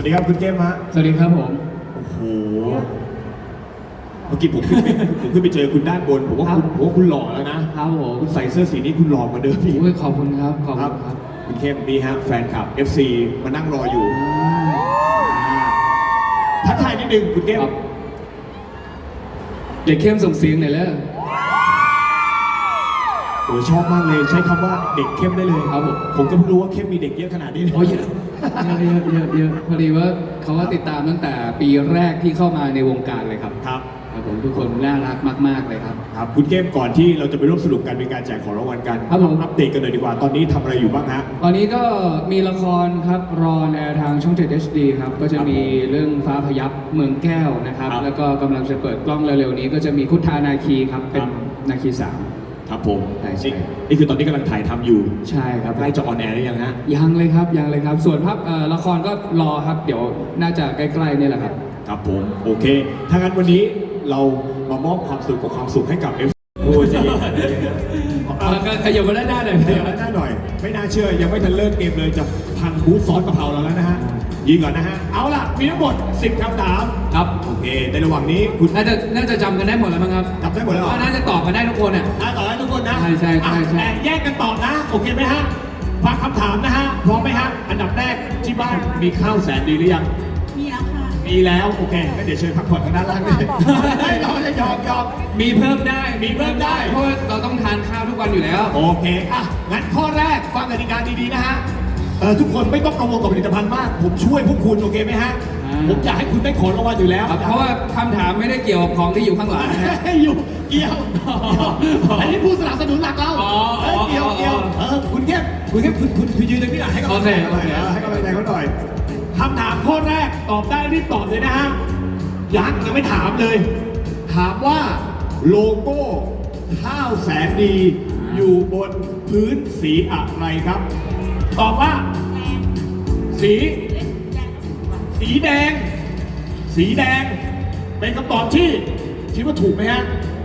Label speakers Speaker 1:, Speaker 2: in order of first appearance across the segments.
Speaker 1: วัสดีครับคุณเกมฮะ
Speaker 2: สวัสดีครับผม
Speaker 1: โอ้โหเมื่อกี้ผมขึ้นไปเจอคุณด้านบนผมว่าคุณหล่อแล้วนะครับ
Speaker 2: ผม
Speaker 1: คุณใส่เสื้อสีนี้คุณหล่อกว่าเดิมอีก
Speaker 2: ขอบคุณครับขอบคุณครับ
Speaker 1: คุณเข้มนี่ฮะแฟนคลับ FC มานั่งรออยู่ทักทายนิดนึงคุณเข้ม
Speaker 2: เด็กเข้มส่งเสียงหน่อยแล้ว
Speaker 1: โอ้ยชอบมากเลยใช้คำว่าเด็กเข้มได้เลย
Speaker 2: ครับ
Speaker 1: ผมก็เพิ่งรู้ว่าเข้มมีเด็กเยอะขนาดนี้
Speaker 2: โอ้ยเยอะพอดีว่าเขาว่าติดตามตั้งแต่ปีแรกที่เข้ามาในวงการเลยครับ
Speaker 1: ครับ
Speaker 2: ผมทุกคนน่ารักมากๆเลยครับ
Speaker 1: ครับคุณเข้มก่อนที่เราจะไปร่วมสนุกกันเป็นการแจกของรางวัลกัน
Speaker 2: ครับผม
Speaker 1: อัปเดตกันเลยดีกว่าตอนนี้ทำอะไรอยู่บ้างฮะ
Speaker 2: ตอนนี้ก็มีละครครับรอแอร์ทางช่อง7 HD ครับก็จะมีเรื่องฟ้าพยับเมืองแก้วนะครับแล้วก็กำลังจะเปิดกล้องเร็วๆนี้ก็จะมีคุทานาคีครับเป็นนาคี3
Speaker 1: ครับผมนี่คือตอนนี้กำลังถ่ายทำอยู่
Speaker 2: ใช่ครับ
Speaker 1: ใกล้จะออนแอร์หรือยังฮะ
Speaker 2: ยังเลยครับส่วนภาพละครก็รอครับเดี๋ยวน่าจะใกล้ๆนี่แหละครับ
Speaker 1: ครับผมโอเคถ้างั้นวันนี้เรามามอบความสุขกับความสุขให้กับ FC โอ้ยจะ
Speaker 2: ขยับมาด้านหน้าหน่อย
Speaker 1: ขยับมาด้านหน้าหน่อยไม่น่าเชื่อยังไม่ทันเลิกเกมเลยจะพังบูธซอสกะเพราเราแล้วนะฮะยิงก่อนนะฮะเอาล่ะมีทั้งหมด10คำถาม
Speaker 2: ครับ
Speaker 1: โอเคในระหว่างนี้คุณ
Speaker 2: น่าจะจำกันได้หมดแล้วมั้งครับ
Speaker 1: จำได้หมดแล้ว
Speaker 2: น่าจะตอบกันได้ทุกคนอ่ะ
Speaker 1: ตอบได้ทุกคนนะ
Speaker 2: ใช่
Speaker 1: แต่แยกกันตอบนะโอเคไหมฮะฟังคำถามนะฮะพร้อมไหมฮะอันดับแรกที่บ้านมีข้าวแสนดีหรือยัง
Speaker 3: มีแล้วค่ะ
Speaker 1: มีแล้วโอเคก็เดี๋ยวเชิญพักผ่อนทางด้านล่างเลยเราจะยอม
Speaker 2: มีเพิ่มได้เพราะเราต้องทานข้าวทุกวันอยู่แล้ว
Speaker 1: โอเคอ่ะงั้นข้อแรกฟังกติกาดีๆนะฮะทุกคนไม่ต้องกังวลกับผลิตภัณฑ์มากผมช่วยพวกคุณโอเคไหมฮะผมอยากให้คุณได้ของรางวัลอยู่แล้ว
Speaker 2: เพราะว่าคำถามไม่ได้เกี่ยวกับของที่อยู่ข้างหลัง
Speaker 1: อยู่เกี่ยวอันนี้ผู้สนับสนุนหลักเราเกี่ยวคุณเข้มคุณยืนตรงนี้หน่อยให้กำลังใจเขาหน่อยคำถามข้อแรกตอบได้รีบตอบเลยนะฮะยังไม่ถามเลยถามว่าโลโก้ข้าวแสนดีอยู่บนพื้นสีอะไรครับตอบว่าสีแดงเป็นคำตอบที่คิดว่าถูกไหมฮะ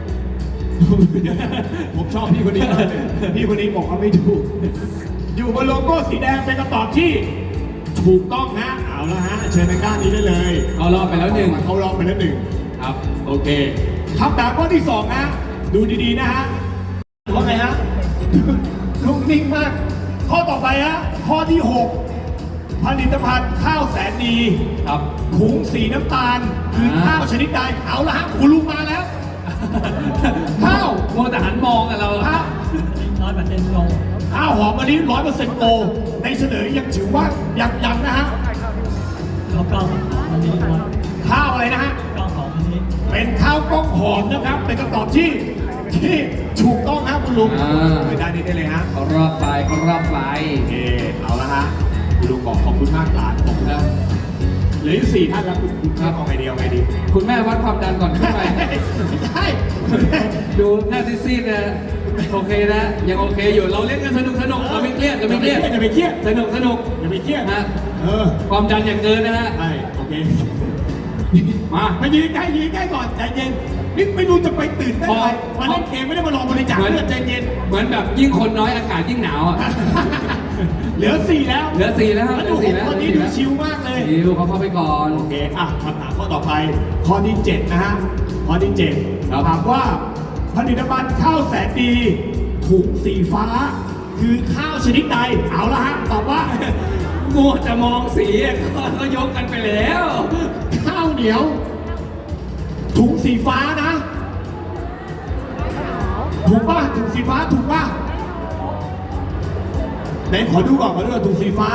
Speaker 1: ผมชอบพี่คนนี้มากเลยพี่คนนี้บอกว่าไม่ถูกอยู่บนโลโก้สีแดงเป็นคำตอบที่ถูกต้องฮะเอาละฮะเชิญทางด้านนี้ได้เลย
Speaker 2: เขารอบไปแล้วหนึ่ง
Speaker 1: ครับโอเคคำถามข้อที่2ฮะดูดีๆนะฮะว่าไงฮะลุกนิ่งมากข้อต่อไปฮะข้อที่6ผลิตภัณฑ์ข้าวแสนดี
Speaker 2: ครับ
Speaker 1: ถุงสีน้ำตาลคือข้าวชนิดใดเอาละฮะคุณลุงมาแล้วข้าว
Speaker 2: โมแต่หันมองกันเรา
Speaker 3: 100%โล
Speaker 1: ข้าวหอมมะลิ100%โลในเฉลยยังถือว่ายังนะฮะ
Speaker 3: ข้าวกล้องมันนี้
Speaker 1: ข้าวอะไรนะฮะ
Speaker 3: กล้องหอมมันนี้
Speaker 1: เป็นข้าวกล้องหอมนะครับเป็นคำตอบที่ถูกต้องครับคุณลุงไปด้านนี้ได้เลยฮะ
Speaker 2: เขารอบไป
Speaker 1: โอเคเอาละฮะคุณลุงบอกขอบคุณมากหลานขอบคุณแล้วเหลืออยู่4ท่านแล้วคุณเอาไงดี
Speaker 2: คุณแม่วัดความดันก่อนขึ้นไป
Speaker 1: ใช่
Speaker 2: ดูหน้าซีดๆนะโอเคนะยังโอเคอยู่เราเล่นกันสนุกเราไม่เครียด
Speaker 1: อย่าไปเครียด
Speaker 2: สนุก
Speaker 1: อย่าไปเครียด
Speaker 2: นะความดันอย่างเกินนะฮะ
Speaker 1: ใช่โอเค
Speaker 2: มา
Speaker 1: ยืนใกล้ก่อนใจเย็นนี่ไม่รู้จะไปตื่นได้ไหมมาเล่นเกมไม่ได้มารอบริจาคเลือดใจเย็น
Speaker 2: เหมือนแบบยิ่งคนน้อยอากาศยิ่งหนาวอ่ะ
Speaker 1: เหลือ4แล้วคนนี้ดูชิลมากเลย
Speaker 2: ชิลเขาเข้าไปก่อน
Speaker 1: โอเคคำถามข้อต่อไปข้อที่7นะฮะข้อที่7ถามว่าผลิตภัณฑ์ข้าวแสนดีถุงสีฟ้าคือข้าวชนิดใดเอาละฮะตอบว่า
Speaker 2: มัวจะมองสีก็ยกกันไปแล้ว
Speaker 1: ข้าวเหนียวถุงสีฟ้านะถูกป่ะถุงสีฟ้าถูกป่ะไหนขอดูก่อนถุงสีฟ้า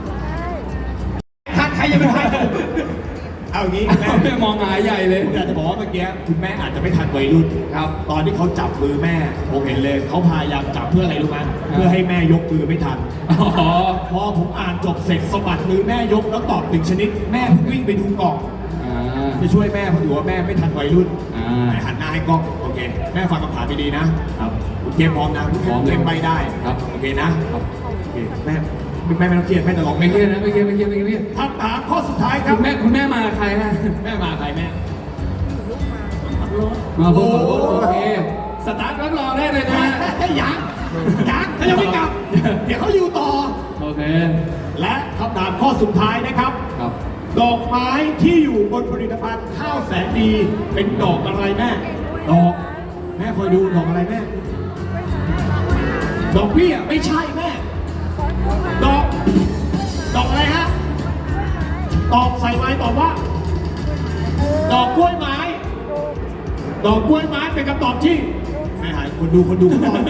Speaker 1: ใครยังไม่ทันเอางี้
Speaker 2: แม่มองหายใหญ่เลย
Speaker 1: ผมอยากจะบอกว่าเมื่อกี้คุณแม่อาจจะไม่ทันวัยรุ่น
Speaker 2: ครับ
Speaker 1: ตอนที่เขาจับมือแม่ผมเห็นเลยเขาพยายามจับเพื่ออะไรรู้ไหมเพื่อให้แม่ยกมือไม่ทันพอผมอ่านจบเสร็จสะบัดมือแม่ยกแล้วตอบ1ชนิดแม่วิ่งไปดูกล่องจะช่วยแม่เพราะถือว่าแม่ไม่ทันวัยรุ่นหันหน้าให้กล้องโอเคแม่ฟังคำถามดีๆนะครับคุณเกมพร้อมนะคุณเกมไปได้
Speaker 2: ครับ
Speaker 1: โอเคนะครับโอเคแม่ไม่ต้องเครียดแม่จะลอง
Speaker 2: ไม่เครียดนะไม่เครียด
Speaker 1: คำถามข้อสุดท้ายครับ
Speaker 2: คุณแม่มาใครฮะ
Speaker 1: แม่มาใครแม่
Speaker 2: มาโอเคสตาร์ทรับรองได้เลยนะ
Speaker 1: ยังเขายังไม่กลับเดี๋ยวเขาอยู่ต่อ
Speaker 2: โอเค
Speaker 1: และคำถามข้อสุดท้ายนะครับดอกไม้ที่อยู่บนผลิตภัณฑ์ข้าวแสนดีเป็นดอกอะไรแม่ดอกแม่คอยดูดอกอะไรแม่ดอกเบี้ยไม่ใช่แม่ดอกอะไรฮะตอบใส่ไม้ตอบว่า ดอกกล้วยไม้ ดอกกล้วยไม้เป็นคำตอบที่ไม่หายคนดูคนตอบ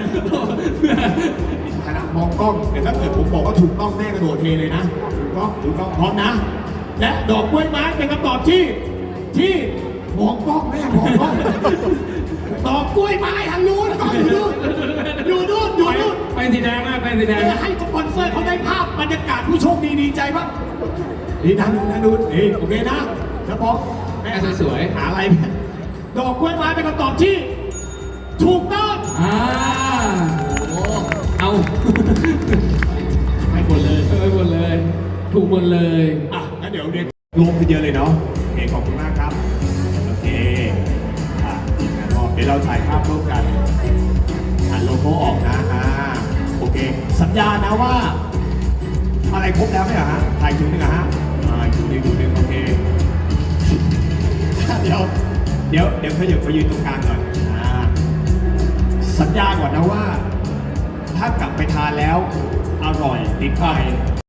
Speaker 1: ขณะมองกล้องแต่ถ้าเกิดผมบอกว่าถูกต้องแม่กระโดดเทเลยนะถูกต้องพร้อมนะ และดอกกล้วยไม้เป็นคำตอบที่มองกล้องแม่มองกล้องดอกกล้วยไม้ทางนู้นกล้องอยู่นู่น
Speaker 2: ไปสีแดงมากไปสีแดง
Speaker 1: ให้สปอนเซอร์เขาได้ภาพบรรยากาศผู้โชคดีใจบ้างนี่ทางนู้นโอเคนะแล้วพอแม่สวยหาอะไรแม่ดอกกล้วยไม้เป็นคำตอบที่ถูกต้อง
Speaker 2: เอา
Speaker 1: ให้หมดเลย
Speaker 2: ถูกหมดเลย
Speaker 1: งั้นเดี๋ยวเรียนรวมกันเยอะเลยเนาะโอเคขอบคุณมากครับโอเคงั้นก็เดี๋ยวเราถ่ายภาพร่วมกันโลโก้ออกนะโอเคสัญญานะว่าอะไรครบแล้วไหมฮะถ่ายจุดนึงฮะจุดนึงโอเคเดี๋ยวขยับไปยืนตรงกลางหน่อยสัญญาก่อนนะว่าถ้ากลับไปทานแล้วอร่อยติดใจ